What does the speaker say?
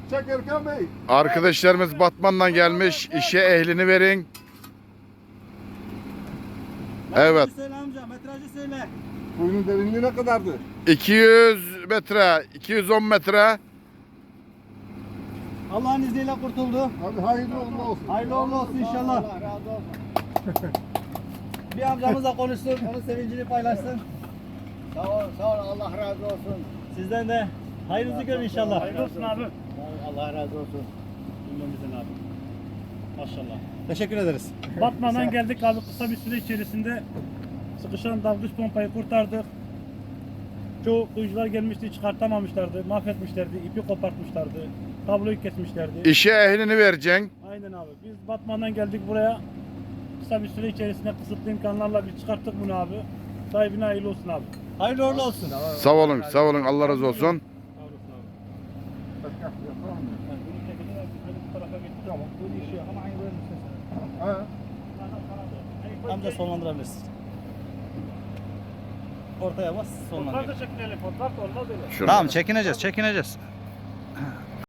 Çek Erkan Bey. Arkadaşlarımız Batman'dan gelmiş. İşe ehlini verin. Evet. Söyle amca, metrajı söyle. Kuyunun derinliği ne kadardı? 200 metre, 210 metre. Allah'ın izniyle kurtuldu. Hadi hayırlı uğurlu olsun. Hayırlı uğurlu olsun inşallah. Allah razı olsun. Bir amcamızla konuşsun, onun sevincini paylaşsın. Sağ ol, sağ ol. Allah razı olsun. Sizden de hayrınızı görün inşallah. Hayırlı olsun abi. Allah razı olsun. Cümlemizden abi. Maşallah. Teşekkür ederiz. Batman'dan geldik abi, kısa bir süre içerisinde sıkışan dalgıç pompayı kurtardık. Çoğu kuyucular gelmişti, çıkartamamışlardı, mahvetmişlerdi, ipi kopartmışlardı, kabloyu kesmişlerdi. İşe ehlini vereceksin. Aynen abi. Biz Batman'dan geldik buraya. Kısa bir süre içerisinde kısıtlı imkanlarla bir çıkarttık bunu abi. Sahibine hayırlı olsun abi. Hayırlı uğurlu olsun. Sağ olun, sağ olun. Allah razı olsun. Sağ olasın abi. Yani bunu çekeceğiz, hadi bu tarafa getir. Tamam. Bu işi ama aynı böyle Ha. Amca sonlandırabilirsin. Ortaya bas, Fotoğraf sonlandır. da çekinelim, fotoğraf da olmaz öyle. Şunu- Tamam, çekineceğiz.